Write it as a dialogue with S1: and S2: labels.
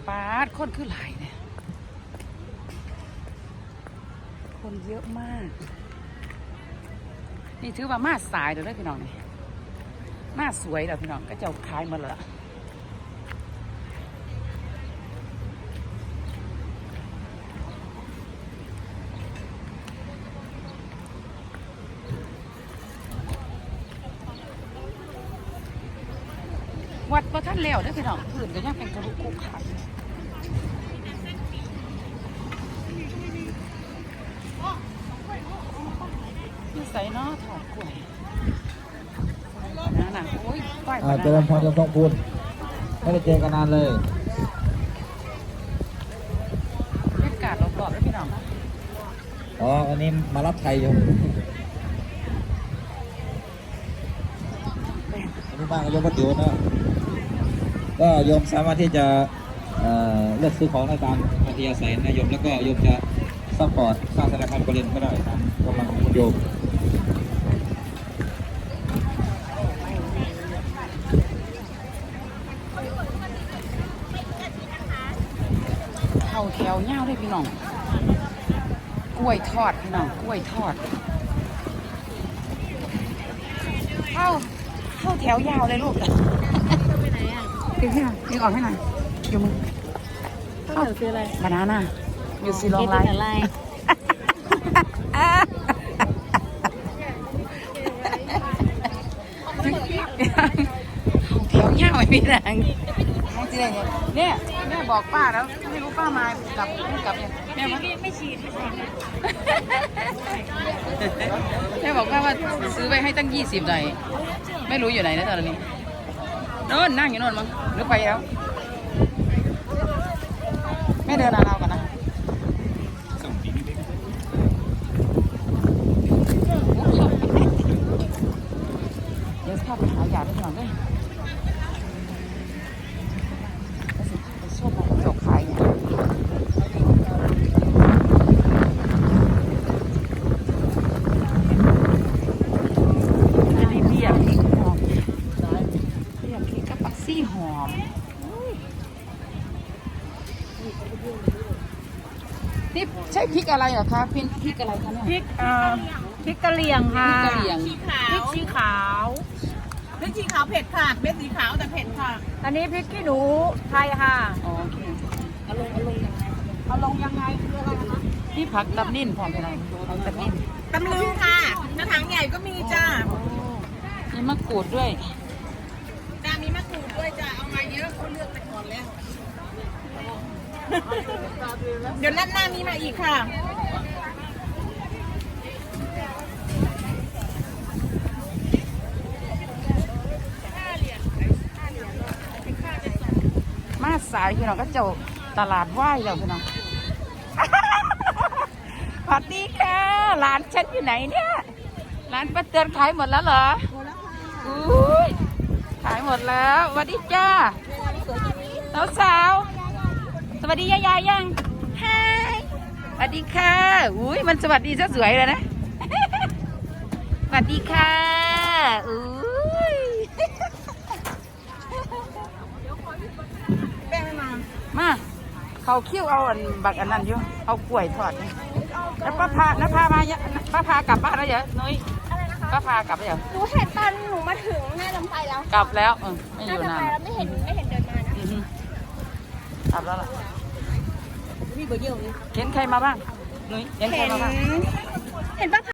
S1: ปาดคนคือหลายเนี่ยคนเยอะมากนี่ถือว่ามาสายเดี๋ยวได้พี่น้องนี่มาสวยเดี๋ยวพี่น้องก็จะขายมาเลยวัดพระท่านแล้วได้พี่น้องพื้นก็ยังเป็นกระดูกคุกขาที่ใส่เนาะถอดกล้วยนั่นน่ะโอ้ยป้าย
S2: เจริญพรจะต้องพูดไม่ได้เจอกันนานเลย
S1: บรรยากาศรอบๆได้พี่น้อง
S2: อันนี้มารับไทยอยู่อันนี้บ้านโยมพระติ๋วนะก็โยมสามารถที่จะเลือกซื้อของในตามอัธยาศัยนะโยมแล้วก็โยมจะซัพพอร์ตสร้างธนาคารบริเวณก็ได้ตามกำลังของโยม
S1: เข้าแถวเงาด้วยพี่น้องกล้วยทอดพี่น้องกล้วยทอดเข้าแถวยาวเลยลูกไปไหนอ่ะดึงให้หน่อยดึงออกให้หน่อยอยู่มือเข้าแถวคืออะไรบานาน่าอยู่สีลองไลน์แถวเงาไม่มีแรงมองจีอะไรเนี่ยแม่บอกป้าแล้วไม่รู้ป้ามากลับไม่กลับเนี่ยแม่ไม่ฉีดแม่บอกว่าซื้อไปให้ตั้ง20หน่อยไม่รู้อยู่ไหนนะตอนนี้โน่นนั่งอยู่โน่นมั้งหรือไปแล้วแม่เดินเอากันนะเดี๋ยวข้าไปหายาไปก่อนด้วยไปชอบของเจ้าขายเนี่ยหอมนี่ใช่พริกอะไรเหรอคะพริกอะไรคะเนี่ย
S3: พริกกะเหรี่ยงค่ะ
S1: พริกกะเหรี่ยง
S3: พริกชี้ขาว
S4: พริกชี้ขาวเผ็ดค่ะเม็ดสีขาวแต่เผ็ดค่ะ
S3: อันนี้พริกขี้หนูไทยค่ะ
S1: โอเค
S4: เอาลงยังไงคืออะไรคะ
S1: นี่ผักตับนิ่นพร้อมไปเลยผักตับนิ่น
S4: ตำลึงค่ะกระถางใหญ่ก็มีจ้า
S1: มีมะกรูดด้วย
S4: จ้ามีมะกรูดด้วยจ้าเอามาเยอะเขาเลือกไปก่อนแล้วเดี๋ยวนัดหน้ามีมาอีกค่ะ
S1: มาสายพี่น้องก็เจ้าตลาดไหว้แล้วพี่น้องสวัสดีค่ะร้านฉันอยู่ไหนเนี่ยร้านป้าเตือนขายหมดแล้วเหรออุ้ยขายหมดแล้วสวัสดีจ้าสาวสวัสดียายยังฮายสวัสดีค่ะอุ้ยมันสวัสดีซะสวยเลยนะสวัสดีค่ะอุ้ย
S4: แป้ง
S1: มาเขาเคี่ยวเอาบักอันนั้นอยู่เอากล้วยทอดนี่แล้วป้าพากลับบ้านแล้วเหรอนุ้ยป้าพากลับแล้วเหรอ
S5: หนูเห็นตอนหนูมาถึงแม่ลำไปแล้ว
S1: กลับแล้วไม่อยู่นาน
S5: ไม่เห็นเดินมานะ
S1: กลับแล้วล่ะ
S4: มีเบอร์เยอะเลย
S1: เห็นใครมาบ้างนุ้ยเห็นใครมาบ้าง
S5: เห็นป้า